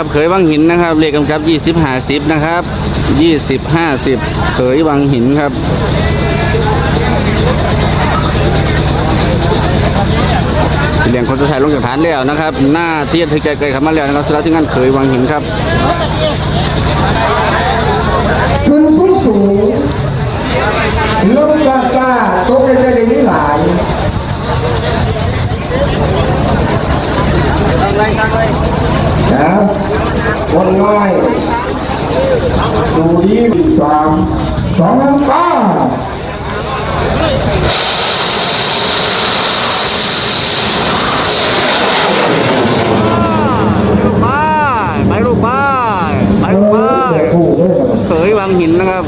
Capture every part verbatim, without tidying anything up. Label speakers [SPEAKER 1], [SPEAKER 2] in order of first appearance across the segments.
[SPEAKER 1] ครับเขยวังหินนะครับเลขกำกับยี่สิบห้าสิบนะครับยี่สิบห้าสิบเขยวังหินครับเลี้ยงคนสุดท้ายลงจากฐานแล้วนะครับหน้าเทียนที่ไกลๆขับมาแล้วนะครับสำหรับที่งานเขยวังหินครับ
[SPEAKER 2] ขึ้นสูงสูงลงกาซาโต๊ะกันได้ไม่หลายตั้งไรตั้งไรนะวันง่ายดูดีสามสองน้ำตา
[SPEAKER 1] ไปลูกบ้านไปลูกบ้านเขยวังหินนะครับ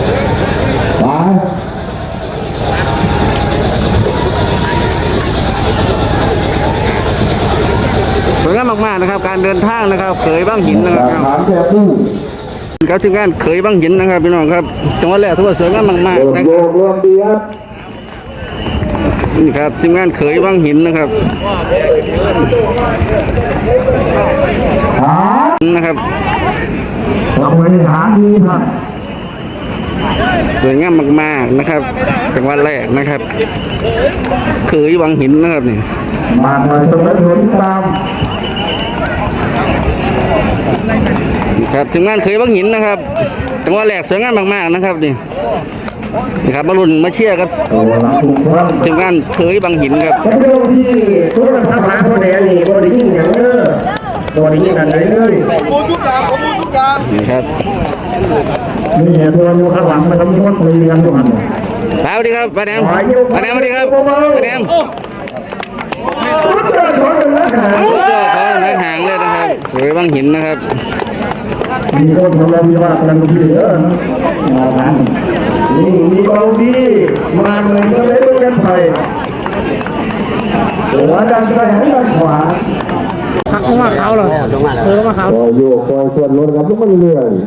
[SPEAKER 1] สวยงามมากๆนะครับการเดินทางนะครับเขยวังหินนะครับครับที่งานเขยวังหินนะครับพี่น้องครับจังหวัดแรกถือว่าสวยงามมากๆนะครับนี่ครับที่งานเขยวังหินนะครับนะครับบริหารดีครับสวยงามมากๆนะครับจังหวัดแรกนะครับเขยวังหินนะครับนี่
[SPEAKER 2] มาหน่อยตรงนั้นเห็นตาม
[SPEAKER 1] ครับถึงงานเขยวังหินนะครับจังหวัดแรกสวยงามมากๆนะครับนี่นี่ครับมาลุ้นมาเชียร์ครับถึงงานเขยวังหินครับ
[SPEAKER 2] ทุกคนทำหาคนแดงนี่คนได้ยินอย่างเด้อตัวได้ยินอะไรเลยโอ้ทุกอย่างผมทุกอย่าง
[SPEAKER 1] นี่ครับ
[SPEAKER 2] นี่ตัวอยู่ข้างหลังมันต้องคนคุยกันทุกอัน
[SPEAKER 1] สวัสดีครับป้าแดงป้าแดงสวัสดีครับป้าแดงเจ้าของนักหางเลยนะครับสวยวังหินนะครับ
[SPEAKER 2] มีคนทำเรามีว่าพลังดีเออนี่มีเราดีมาเหมือนกันเลยด้วยกันไทยหัวดันไปหันด้านขวา
[SPEAKER 3] พักมาเขาเหรอเออมาเขา
[SPEAKER 2] คอยโยกคอยส่วนรถครับทุกคนเรื่อย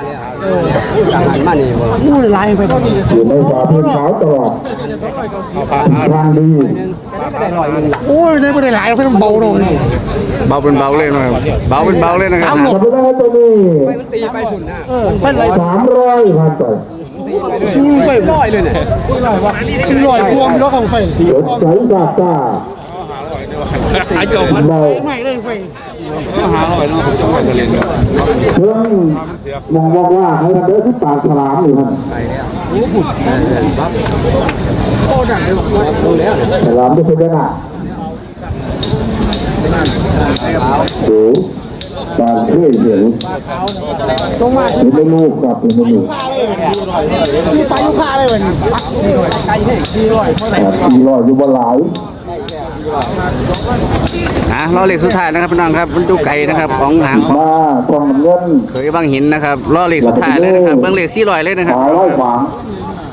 [SPEAKER 3] มูดลายไป
[SPEAKER 2] อยู่ในฝาพื้นขาวตลอดทางดี
[SPEAKER 3] โอ้ยในประเทศหลายเราไม่ต้องเบาลงนี่
[SPEAKER 1] เบาเป็นเบาเลยนะครับเบาเป็นเบาเลยนะครับ
[SPEAKER 2] ทำได้ตัวนี้
[SPEAKER 3] ตีไปฝุ่นนะเออเป็นไร
[SPEAKER 2] สามร้อยพันไป
[SPEAKER 3] ชูไปร้อยเลยเนี่ยชูร้อยพวงแล้วของไฟ
[SPEAKER 2] รถใช้กาตา
[SPEAKER 3] หายจบเบาไม่เลยไฟ
[SPEAKER 2] หาหอยเนาะเพื่อนมองบอกว่าให้ทำเด้อที่ปากฉลามอยู่ครับ
[SPEAKER 3] โอ้ดังเลยดูแล้ว
[SPEAKER 2] ฉลามจะเป็นยังไงสูงการเที่ยวเห็น
[SPEAKER 3] ตรงมา
[SPEAKER 2] เป็นไม่ลูกครับเป็นไม่ลูก
[SPEAKER 3] ซื้อไปลูกค้าเลยวันนี้ไก่เฮ้ยสี่ร้อยเท่าไหร่
[SPEAKER 2] สี่ร้อยอยู่บนหลาย
[SPEAKER 1] อ่ะล้อเหล็กสุดท้ายนะครับพี่น้องครับมันดูไก่นะครับของหางของ
[SPEAKER 2] มากองเงิน
[SPEAKER 1] เขยวังหินนะครับล้อเหล็กสุดท้ายเลยนะครับเบื้องเหล็กสี่ร้อยเลยนะครับ
[SPEAKER 2] ร้อยขวาง